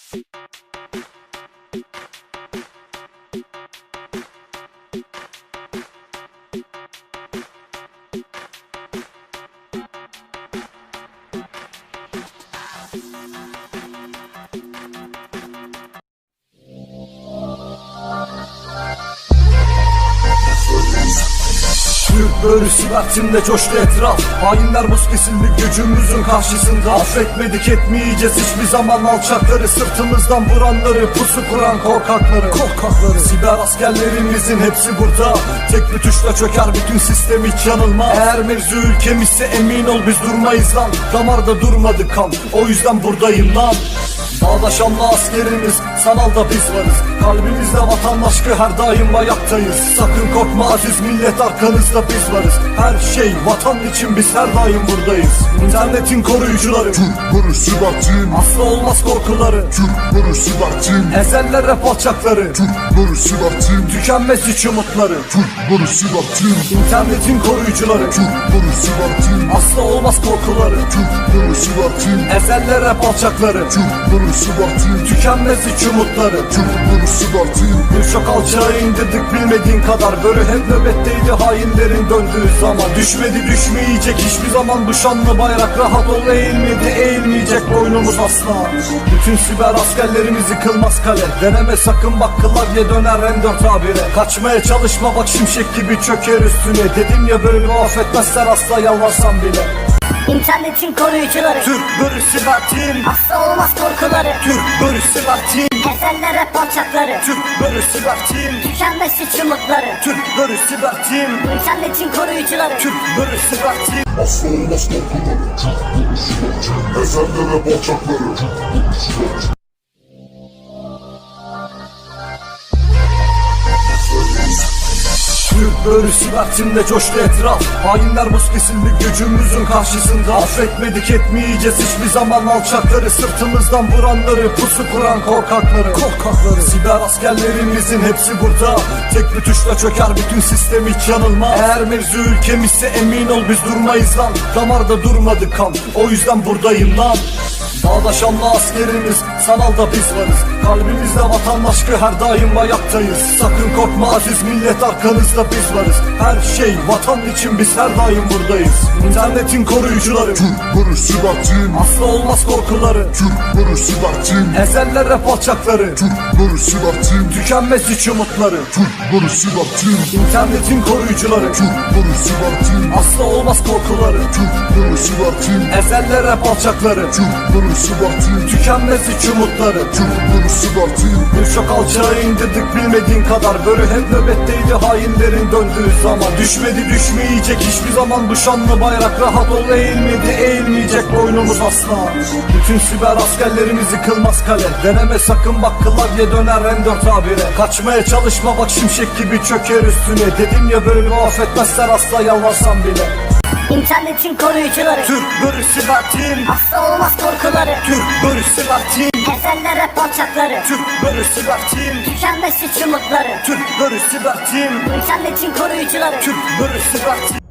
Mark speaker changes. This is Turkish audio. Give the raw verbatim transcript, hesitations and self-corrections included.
Speaker 1: Türk bölüsü vaktimde coştu etraf. Hainler buz kesildi gücümüzün karşısında. Affetmedik etmeyeceğiz hiçbir zaman alçakları, sırtımızdan vuranları, pusu kuran korkakları. Korkakları siber askerlerimizin hepsi burada. Tek bir tuşla çöker bütün sistem, hiç yanılma. Eğer mevzu ülkemizse emin ol biz durmayız lan. Damarda durmadı kan, o yüzden buradayım lan. Dağda şanlı askerimiz, sanalda biz varız. Kalbimizde vatan aşkı, her daim ayaktayız. Sakın korkma aziz millet, arkanızda biz varız. Her şey vatan için, biz her daim buradayız. İnternetin koruyucuları,
Speaker 2: Türk bölüsü vaktim.
Speaker 1: asla olmaz korkuları.
Speaker 2: Türk bölüsü vaktim.
Speaker 1: Ezeller rap alçakları,
Speaker 2: Türk bölüsü vaktim.
Speaker 1: tükenmez hiç umutları.
Speaker 2: Türk bölüsü vaktim.
Speaker 1: İnternetin koruyucuları,
Speaker 2: Türk bölüsü vaktim.
Speaker 1: asla olmaz korkuları.
Speaker 2: Türk bölüsü vaktim.
Speaker 1: Ezeller rap alçakları,
Speaker 2: Türk bölüsü vaktim.
Speaker 1: tükenmez hiç umutları.
Speaker 2: Türk bölüsü vaktim.
Speaker 1: Birçok alçağı indirdik bilmediğin kadar. Böyle hep nöbetteydi hainlerin döndüğü zaman. Düşmedi düşmeyecek hiçbir zaman bu şanlı bayrak. Rahat ol, eğilmedi eğilmeyecek boynumuz asla. Bütün siber askerlerimiz yıkılmaz kale. Deneme sakın bak, klavye döner M dört A bire. Kaçmaya çalışma bak, şimşek gibi çöker üstüne. Dedim ya böyle affetmezler asla, yalvarsan bile.
Speaker 3: İnternetin koruyucuları,
Speaker 1: Türk bölüsü vaktim.
Speaker 3: asla olmaz korkuları.
Speaker 1: Türk bölüsü vaktim.
Speaker 3: Ezeller rap alçakları,
Speaker 1: Türk bölüsü vaktim.
Speaker 3: tükenmez hiç umutları.
Speaker 1: Türk bölüsü vaktim.
Speaker 3: İnternetin koruyucuları,
Speaker 1: Türk bölüsü vaktim.
Speaker 2: Asla olmaz korkuları. Türk bölüsü vaktim. Ezeller hep alçakları. Türk bölüsü vaktim.
Speaker 1: Türk bölüsü vaktimde coştu etraf. Hainler buz kesildi gücümüzün karşısında. Affetmedik etmeyeceğiz hiçbir zaman alçakları, sırtımızdan vuranları, pusu kuran korkakları. Korkakları siber askerlerimizin hepsi burada. Tek bir tuşla çöker bütün sistem, hiç yanılma. Eğer mevzu ülkemizse emin ol biz durmayız lan. Damarda durmadı kan, o yüzden buradayım lan. Dağda şanlı askerimiz, sanalda biz varız. Kalbimizde vatan aşkı, her daim ayaktayız. Sakın korkma aziz millet, arkanızda biz varız. Her şey vatan için, biz her daim buradayız. İnternetin koruyucuları,
Speaker 2: Türk bölüsü vaktim.
Speaker 1: asla olmaz korkuları.
Speaker 2: Türk bölüsü vaktim.
Speaker 1: Ezeller rap alçakları,
Speaker 2: Türk bölüsü vaktim.
Speaker 1: tükenmez hiç umutları.
Speaker 2: Türk bölüsü vaktim.
Speaker 1: İnternetin koruyucuları,
Speaker 2: Türk bölüsü vaktim.
Speaker 1: asla olmaz korkuları.
Speaker 2: Türk bölüsü vaktim.
Speaker 1: Ezeller rap alçakları,
Speaker 2: Türk bölüsü vaktim.
Speaker 1: tükenmez hiç umutları.
Speaker 2: Türk bölüsü vaktim.
Speaker 1: Birçok alçağı indirdik bilmediğin kadar. Böyle hep nöbetteydi hainlerin döndüğü zaman. Düşmedi düşmeyecek hiçbir zaman bu şanlı bayrak. Rahat ol, eğilmedi eğilmeyecek boynumuz asla. Bütün siber askerlerimiz yıkılmaz kale. Deneme sakın bak, klavye döner M dört A bire. Kaçmaya çalışma bak, şimşek gibi çöker üstüne. Dedim ya böyle affetmezler asla, yalvarsan bile.
Speaker 3: İnternetin koruyucuları,
Speaker 1: Türk bölüsü vaktim.
Speaker 3: asla olmaz korkuları.
Speaker 1: Türk bölüsü vaktim.
Speaker 3: Ezeller rap alçakları,
Speaker 1: Türk bölüsü vaktim.
Speaker 3: tükenmez hiç umutları.
Speaker 1: Türk bölüsü vaktim.
Speaker 3: İnternetin koruyucuları,
Speaker 1: Türk bölüsü vaktim.